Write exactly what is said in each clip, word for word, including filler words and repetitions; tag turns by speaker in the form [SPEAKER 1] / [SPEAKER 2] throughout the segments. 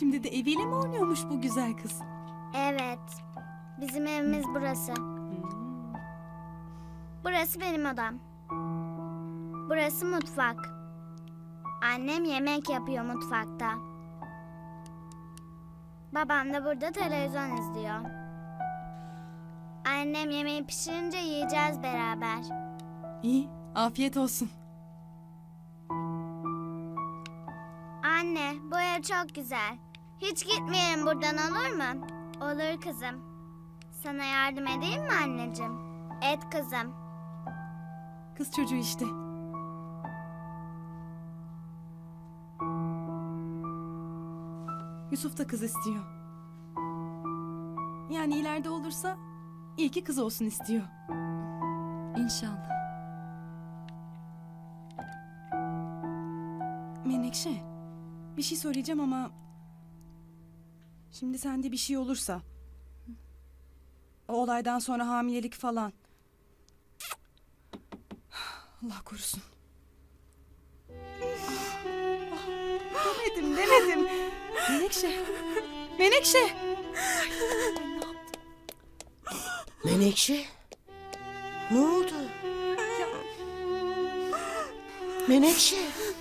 [SPEAKER 1] Şimdi de eviyle mi oynuyormuş bu güzel kız?
[SPEAKER 2] Evet. Bizim evimiz burası. Burası benim odam. Burası mutfak. Annem yemek yapıyor mutfakta. Babam da burada televizyon izliyor. Annem yemeği pişirince yiyeceğiz beraber.
[SPEAKER 1] İyi, afiyet olsun.
[SPEAKER 2] Anne, bu ev çok güzel. Hiç gitmeyelim buradan, olur mu? Olur kızım. Sana yardım edeyim mi anneciğim? Et kızım.
[SPEAKER 1] Kız çocuğu işte. Yusuf da kız istiyor. Yani ileride olursa iyi ki kız olsun istiyor. İnşallah. Menekşe, bir şey söyleyeceğim ama... Şimdi sende bir şey olursa... O olaydan sonra hamilelik falan... Allah korusun. Demedim, demedim. Menekşe, Menekşe.
[SPEAKER 3] Menekşe? Ne oldu?
[SPEAKER 1] Ya,
[SPEAKER 3] Menekşe?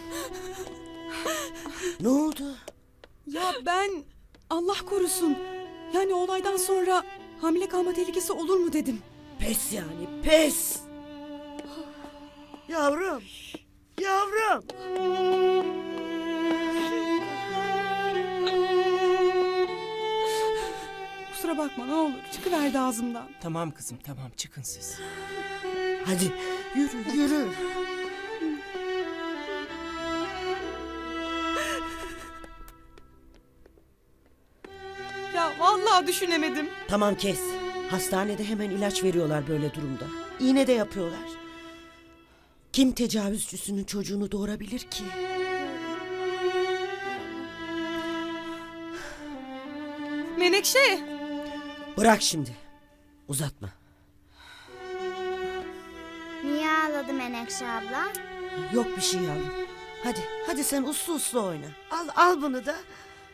[SPEAKER 3] Ne oldu?
[SPEAKER 1] ya ben Allah korusun. Yani o olaydan sonra hamile kalma tehlikesi olur mu dedim.
[SPEAKER 3] Pes yani, pes! Yavrum, yavrum!
[SPEAKER 1] Kusura bakma ne olur. Çıkıverdi ağzımdan.
[SPEAKER 4] Tamam kızım tamam çıkın siz.
[SPEAKER 3] Hadi yürü, yürü.
[SPEAKER 1] Ya vallahi düşünemedim.
[SPEAKER 3] Tamam kes. Hastanede hemen ilaç veriyorlar böyle durumda. İğne de yapıyorlar. Kim tecavüzcüsünün çocuğunu doğurabilir ki?
[SPEAKER 1] Menekşe.
[SPEAKER 3] Bırak şimdi. Uzatma.
[SPEAKER 2] Niye ağladı Menekşe abla?
[SPEAKER 3] Yok bir şey yavrum. Hadi, hadi sen uslu uslu oyna. Al, al bunu da.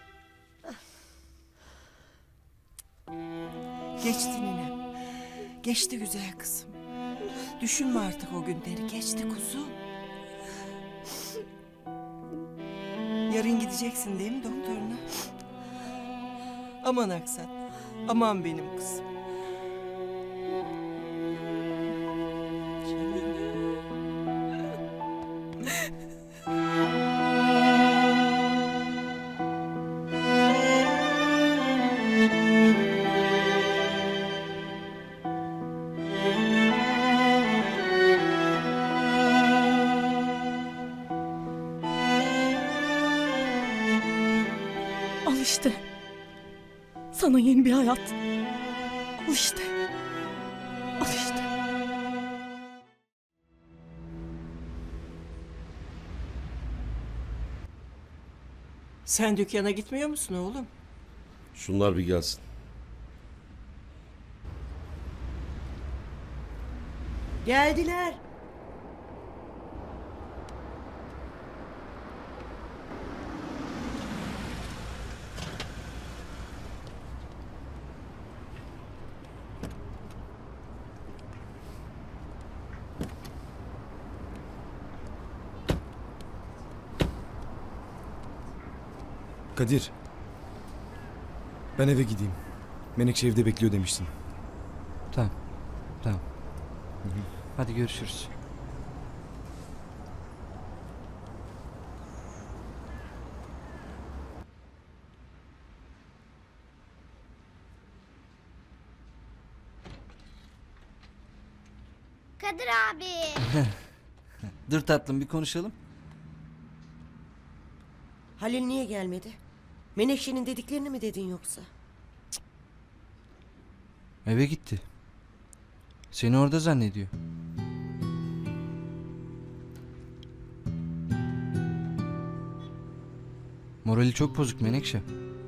[SPEAKER 4] Geçti ninem. Geçti güzel kızım. Düşünme artık o günleri. Geçti kuzum. Yarın gideceksin değil mi doktoruna? Aman Aksat. Aman benim kızım.
[SPEAKER 1] Al işte. Sana yeni bir hayat. Al işte. Al işte.
[SPEAKER 4] Sen dükkana gitmiyor musun oğlum?
[SPEAKER 5] Şunlar bir gelsin.
[SPEAKER 3] Geldiler.
[SPEAKER 6] Kadir. Ben eve gideyim. Menekşe evde bekliyor demiştin.
[SPEAKER 7] Tamam. Tamam. Hadi görüşürüz.
[SPEAKER 2] Kadir abi.
[SPEAKER 7] Dur tatlım bir konuşalım.
[SPEAKER 3] Halil niye gelmedi? Menekşe'nin dediklerini mi dedin yoksa?
[SPEAKER 7] Eve gitti. Seni orada zannediyor. Morali çok bozuk Menekşe.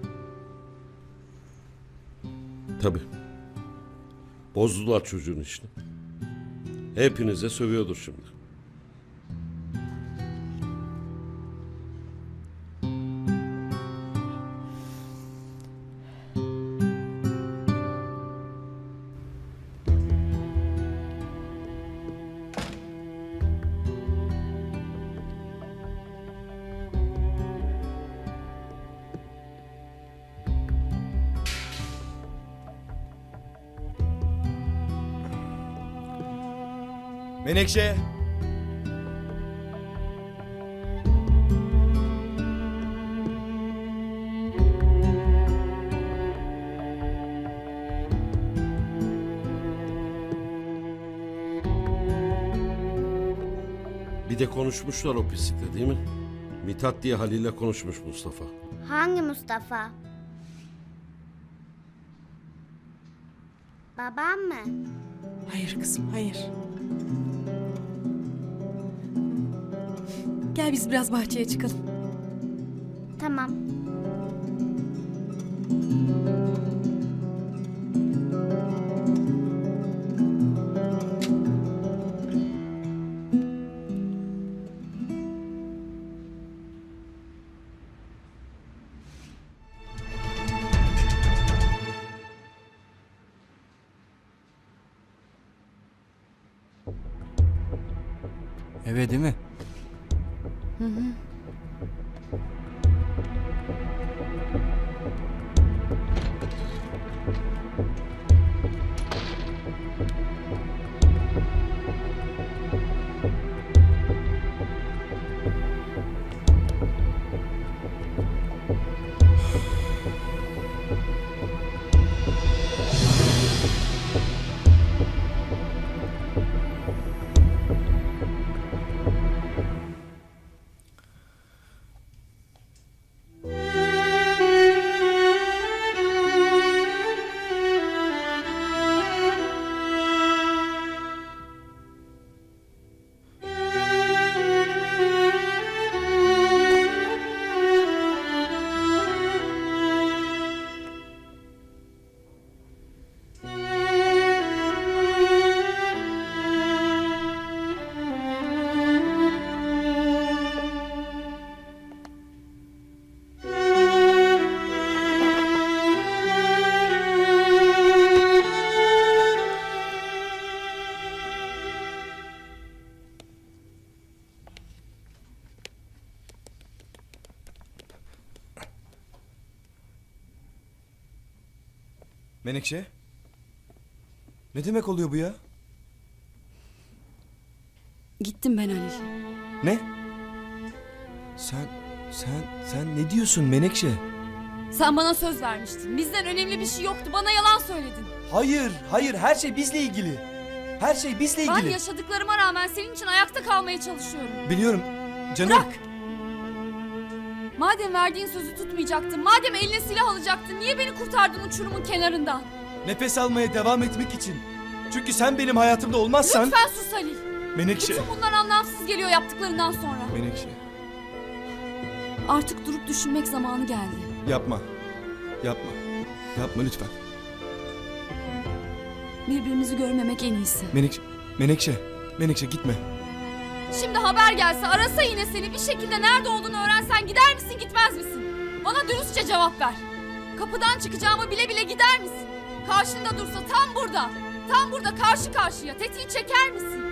[SPEAKER 5] Tabii. Bozdular çocuğun işini. Hepinize sövüyordur şimdi.
[SPEAKER 6] Menekşe!
[SPEAKER 5] Bir de konuşmuşlar o pislikle değil mi? Mithat diye Halil'le konuşmuş Mustafa.
[SPEAKER 2] Hangi Mustafa? Babam mı?
[SPEAKER 4] Hayır kızım, hayır.
[SPEAKER 1] Gel biz biraz bahçeye çıkalım.
[SPEAKER 2] Tamam.
[SPEAKER 7] Eve değil mi?
[SPEAKER 6] Menekşe? Ne demek oluyor bu ya?
[SPEAKER 1] Gittim ben Halil.
[SPEAKER 6] Ne? Sen, sen, sen ne diyorsun Menekşe?
[SPEAKER 8] Sen bana söz vermiştin. Bizden önemli bir şey yoktu. Bana yalan söyledin.
[SPEAKER 6] Hayır, hayır her şey bizle ilgili. Her şey bizle
[SPEAKER 8] Ben
[SPEAKER 6] ilgili.
[SPEAKER 8] yaşadıklarıma rağmen senin için ayakta kalmaya çalışıyorum.
[SPEAKER 6] Biliyorum canım.
[SPEAKER 8] Bırak! Madem verdiğin sözü tutmayacaktın, madem eline silah alacaktın, niye beni kurtardın uçurumun kenarından?
[SPEAKER 6] Nefes almaya devam etmek için. Çünkü sen benim hayatımda olmazsan...
[SPEAKER 8] Lütfen sus Halil.
[SPEAKER 6] Menekşe.
[SPEAKER 8] Bütün bunlar anlamsız geliyor yaptıklarından sonra.
[SPEAKER 6] Menekşe.
[SPEAKER 8] Artık durup düşünmek zamanı geldi.
[SPEAKER 6] Yapma. Yapma. Yapma lütfen.
[SPEAKER 8] Birbirimizi görmemek en iyisi.
[SPEAKER 6] Menekşe. Menekşe. Menekşe gitme.
[SPEAKER 8] Şimdi haber gelse, arasa yine seni, bir şekilde nerede olduğunu öğrensen gider misin, gitmez misin? Bana dürüstçe cevap ver. Kapıdan çıkacağımı bile bile gider misin? Karşında dursa tam burada, tam burada karşı karşıya tetiği çeker misin?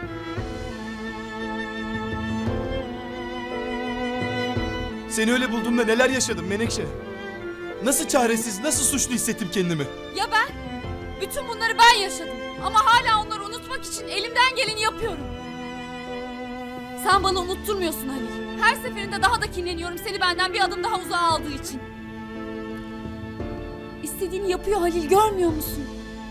[SPEAKER 6] Seni öyle bulduğumda neler yaşadım Menekşe. Nasıl çaresiz, nasıl suçlu hissettim kendimi.
[SPEAKER 8] Ya ben? Bütün bunları ben yaşadım. Ama hala onları unutmak için elimden geleni yapıyorum. Sen bana unutturmuyorsun Halil. Her seferinde daha da kinleniyorum seni benden bir adım daha uzağa aldığı için. İstediğini yapıyor Halil, görmüyor musun?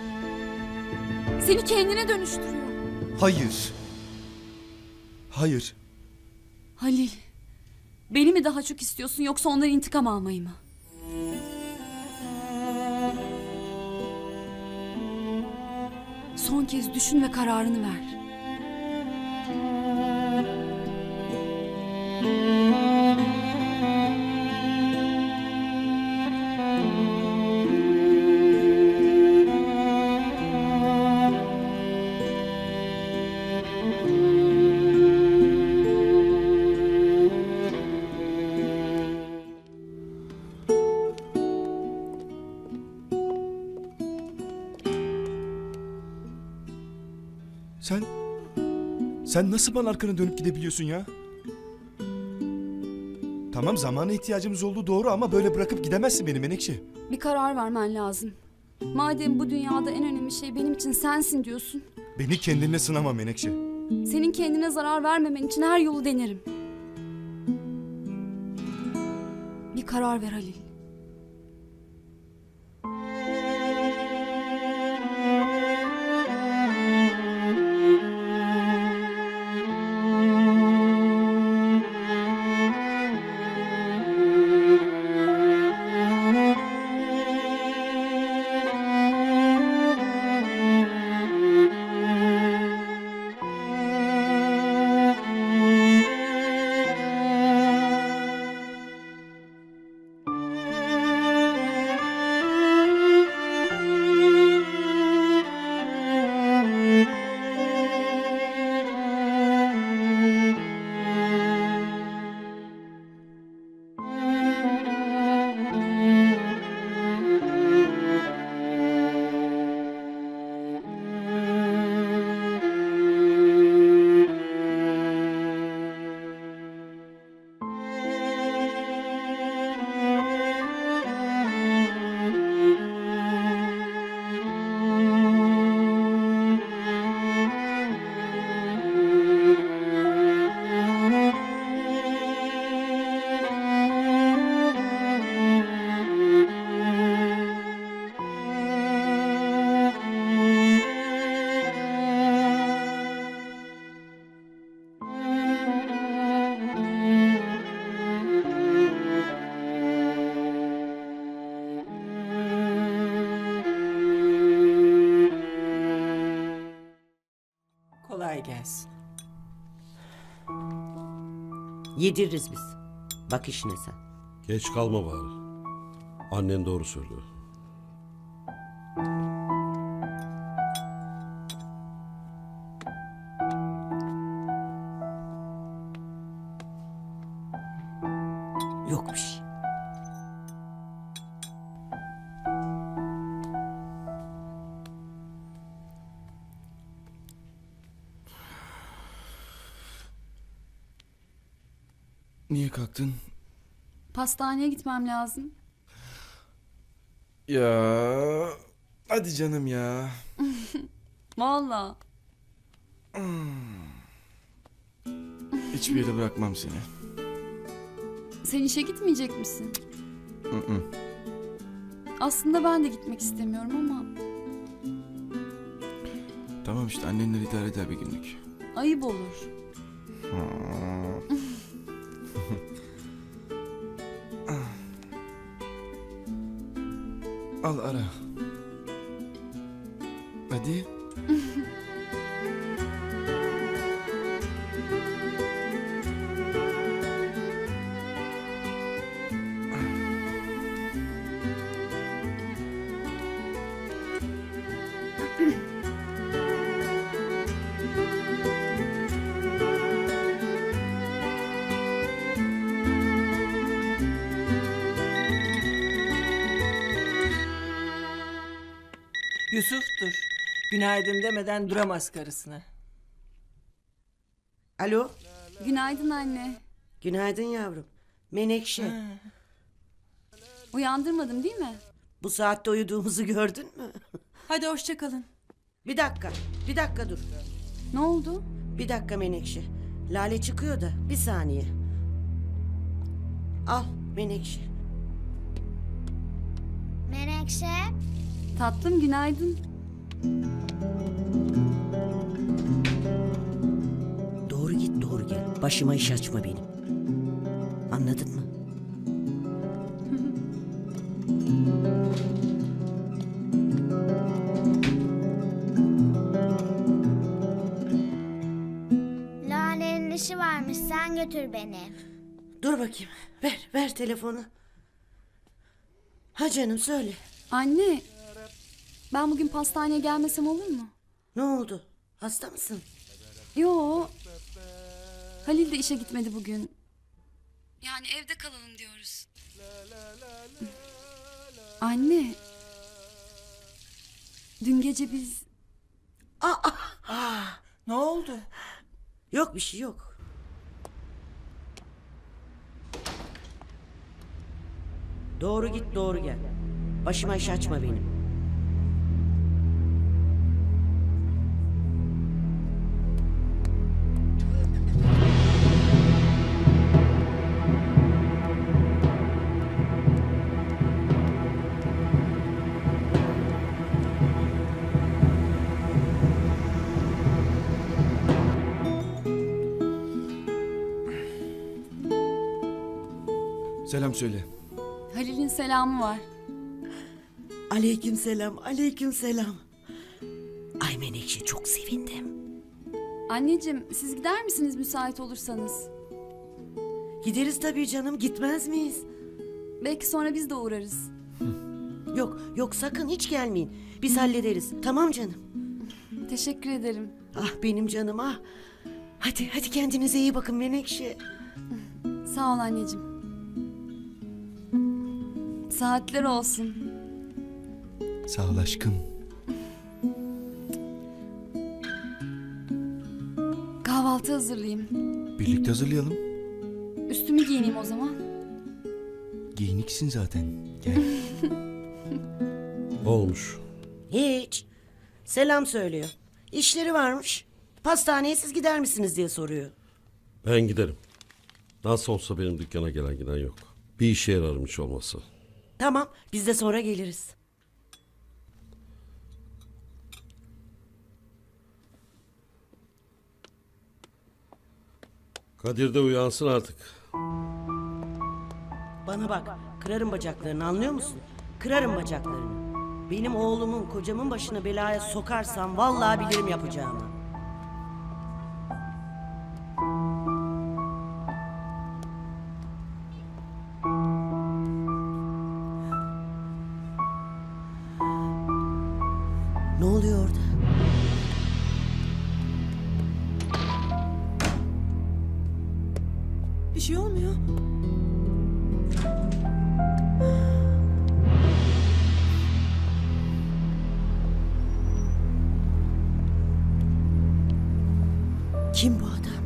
[SPEAKER 8] Seni kendine dönüştürüyor.
[SPEAKER 6] Hayır. Hayır.
[SPEAKER 8] Halil, beni mi daha çok istiyorsun yoksa ondan intikam almayı mı? Son kez düşün ve kararını ver.
[SPEAKER 6] Sen... Sen nasıl bana arkanı dönüp gidebiliyorsun ya? Tamam zamana ihtiyacımız olduğu doğru ama böyle bırakıp gidemezsin beni Menekşe.
[SPEAKER 8] Bir karar vermen lazım. Madem bu dünyada en önemli şey benim için sensin diyorsun.
[SPEAKER 6] Beni kendinle sınama Menekşe.
[SPEAKER 8] Senin kendine zarar vermemen için her yolu denerim. Bir karar ver Halil.
[SPEAKER 4] Kolay gelsin.
[SPEAKER 3] Yediririz biz. Bak işine sen.
[SPEAKER 5] Geç kalma bari. Annen doğru söylüyor.
[SPEAKER 3] Yok bir şey.
[SPEAKER 6] Niye kalktın?
[SPEAKER 8] Pastaneye gitmem lazım.
[SPEAKER 6] Ya hadi canım ya.
[SPEAKER 8] Vallahi.
[SPEAKER 6] Hiçbir yere bırakmam seni.
[SPEAKER 8] Sen işe gitmeyecek misin?
[SPEAKER 6] Hı hı.
[SPEAKER 8] Aslında ben de gitmek istemiyorum ama
[SPEAKER 6] Tamam işte annenler idare eder bir günlük.
[SPEAKER 8] ayıp olur.
[SPEAKER 6] Al ara. Hadi.
[SPEAKER 4] Yusuf'tur. Günaydın demeden duramaz karısına.
[SPEAKER 3] Alo.
[SPEAKER 8] Günaydın anne.
[SPEAKER 3] Günaydın yavrum. Menekşe.
[SPEAKER 8] Uyandırmadım değil mi?
[SPEAKER 3] Bu saatte uyuduğumuzu gördün mü?
[SPEAKER 4] Hadi hoşça kalın.
[SPEAKER 3] Bir dakika. Bir dakika dur.
[SPEAKER 8] Ne oldu?
[SPEAKER 3] Bir dakika Menekşe. Lale çıkıyor da bir saniye. Al Menekşe.
[SPEAKER 2] Menekşe,
[SPEAKER 8] Tatlım günaydın.
[SPEAKER 3] Doğru git doğru gel. Başıma iş açma benim. Anladın mı?
[SPEAKER 2] Lale'nin işi varmış, sen götür beni.
[SPEAKER 3] Dur bakayım. Ver ver telefonu. Ha canım söyle.
[SPEAKER 8] Anne, ben bugün pastaneye gelmesem olur mu?
[SPEAKER 3] Ne oldu? Hasta mısın?
[SPEAKER 8] Yo. Halil de işe gitmedi bugün. Yani evde kalalım diyoruz. Anne. Dün gece biz...
[SPEAKER 4] Ne oldu?
[SPEAKER 3] Yok bir şey yok. Doğru git doğru gel. Başıma iş açma benim.
[SPEAKER 6] Selam söyle.
[SPEAKER 8] Halil'in selamı var.
[SPEAKER 3] Aleykümselam, aleykümselam. Ay Menekşe çok sevindim.
[SPEAKER 8] Anneciğim siz gider misiniz müsait olursanız?
[SPEAKER 3] Gideriz tabii canım, gitmez miyiz?
[SPEAKER 8] Belki sonra biz de uğrarız.
[SPEAKER 3] Yok, yok sakın hiç gelmeyin. Biz hallederiz. Tamam canım.
[SPEAKER 8] Teşekkür ederim.
[SPEAKER 3] Ah benim canım ah. Hadi, hadi kendinize iyi bakın Menekşe.
[SPEAKER 8] Sağ ol anneciğim. Saatler olsun.
[SPEAKER 6] Sağ ol aşkım.
[SPEAKER 8] Kahvaltı hazırlayayım.
[SPEAKER 6] Birlikte hazırlayalım.
[SPEAKER 8] Üstümü giyineyim o zaman.
[SPEAKER 6] Giyiniksin zaten. Gel.
[SPEAKER 5] Olmuş.
[SPEAKER 3] Hiç. Selam söylüyor. İşleri varmış. Pastaneye siz gider misiniz diye soruyor.
[SPEAKER 5] Ben giderim. Nasıl olsa benim dükkana gelen giden yok. Bir işe yararım hiç olmazsa.
[SPEAKER 3] Tamam, biz de sonra geliriz.
[SPEAKER 5] Kadir de uyansın artık.
[SPEAKER 3] Bana bak, kırarım bacaklarını anlıyor musun? Kırarım bacaklarını. Benim oğlumun, kocamın başına belaya sokarsam vallahi bilirim yapacağımı. Ne oluyor orada?
[SPEAKER 1] Bir şey olmuyor.
[SPEAKER 3] Kim bu adam?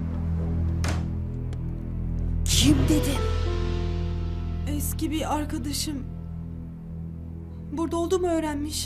[SPEAKER 3] Kim dedim?
[SPEAKER 1] Eski bir arkadaşım. Burada olduğumu öğrenmiş.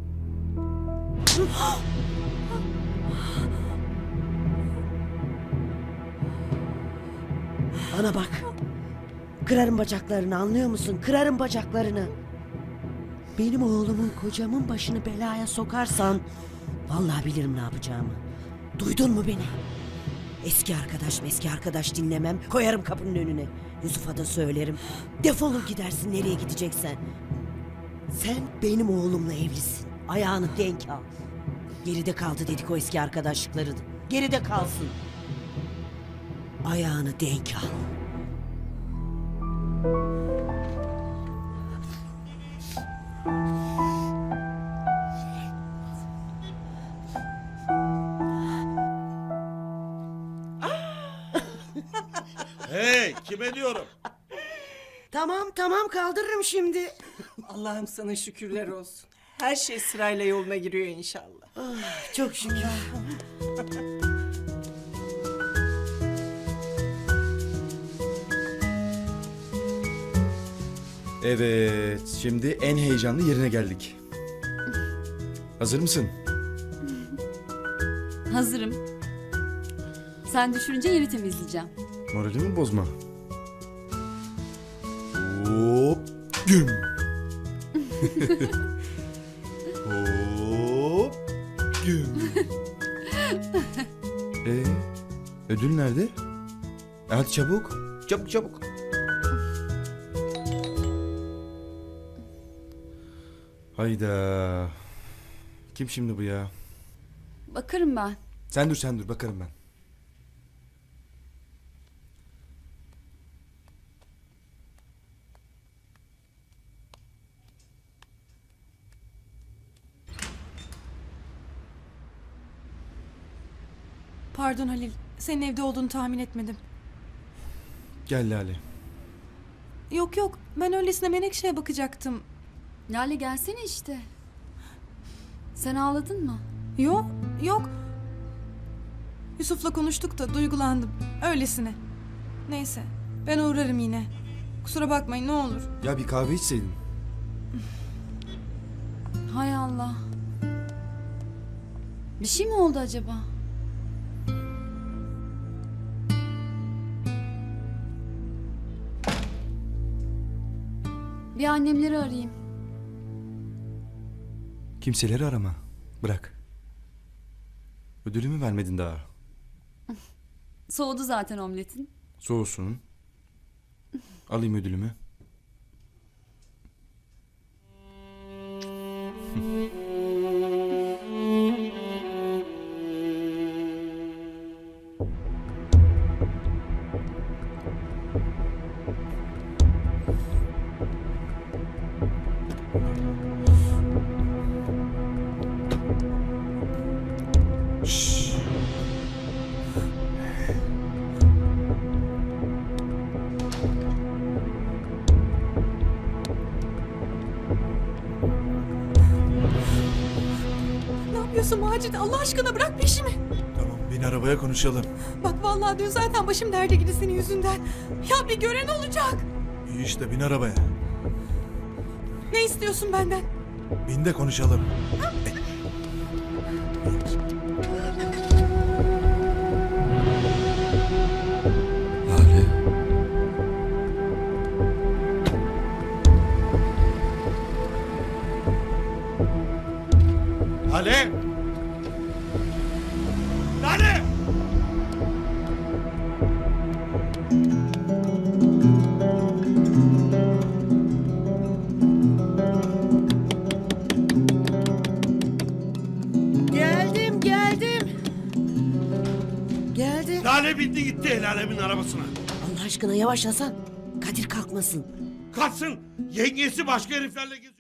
[SPEAKER 3] Bana bak. Kırarım bacaklarını anlıyor musun? Kırarım bacaklarını. Benim oğlumun kocamın başını belaya sokarsan vallahi bilirim ne yapacağımı. Duydun mu beni? Eski arkadaş eski arkadaş dinlemem. Koyarım kapının önüne. Yusuf'a da söylerim. Defolur gidersin nereye gideceksen. Sen benim oğlumla evlisin. Ayağını denk al. Geride kaldı dedik o eski arkadaşlıkları. Geride kalsın. Ayağını denk al.
[SPEAKER 5] Hey, kime diyorum?
[SPEAKER 3] Tamam tamam kaldırırım şimdi.
[SPEAKER 4] Allah'ım sana şükürler olsun. Her şey sırayla yoluna giriyor inşallah.
[SPEAKER 3] Çok şükür.
[SPEAKER 6] Evet, şimdi en heyecanlı yerine geldik. Hazır mısın?
[SPEAKER 8] Hazırım. Sen düşürünce yeri temizleyeceğim.
[SPEAKER 6] Moralimi bozma. Hop, güm. Hop, güm. Ee, ödül nerede? E hadi çabuk, çabuk çabuk. Hayda. Kim şimdi bu ya?
[SPEAKER 8] Bakarım ben.
[SPEAKER 6] Sen dur sen dur bakarım ben.
[SPEAKER 1] Pardon Halil. Senin evde olduğunu tahmin etmedim.
[SPEAKER 6] Gel Lale.
[SPEAKER 1] Yok yok. Ben öylesine Menekşe'ye bakacaktım.
[SPEAKER 8] Lale gelsene işte. Sen ağladın mı?
[SPEAKER 1] Yok yok. Yusuf'la konuştuk da duygulandım. Öylesine. Neyse. Ben uğrarım yine. Kusura bakmayın ne olur.
[SPEAKER 6] Ya bir kahve içseydin.
[SPEAKER 8] Hay Allah. Bir şey mi oldu acaba? Bir annemleri arayayım.
[SPEAKER 6] Kimseleri arama. Bırak. Ödülümü vermedin daha.
[SPEAKER 8] Soğudu zaten omletin.
[SPEAKER 6] Soğusun.
[SPEAKER 7] Alayım ödülümü.
[SPEAKER 1] Ne yapıyorsun Macit? Allah aşkına bırak peşimi.
[SPEAKER 6] Tamam, bin arabaya konuşalım.
[SPEAKER 1] Bak vallahi dün zaten başım derde girdi senin yüzünden. Ya bir gören olacak.
[SPEAKER 6] İyi işte, bin arabaya.
[SPEAKER 1] Ne istiyorsun benden?
[SPEAKER 6] Bin de konuşalım.
[SPEAKER 5] Lale.
[SPEAKER 6] Lale! Lale!
[SPEAKER 3] Geldim geldim. Geldim.
[SPEAKER 9] Lale bindi gitti el alemin arabasına.
[SPEAKER 3] Allah aşkına yavaş Hasan. Kadir kalkmasın.
[SPEAKER 9] Kaçsın. Yengesi başka heriflerle geziyor.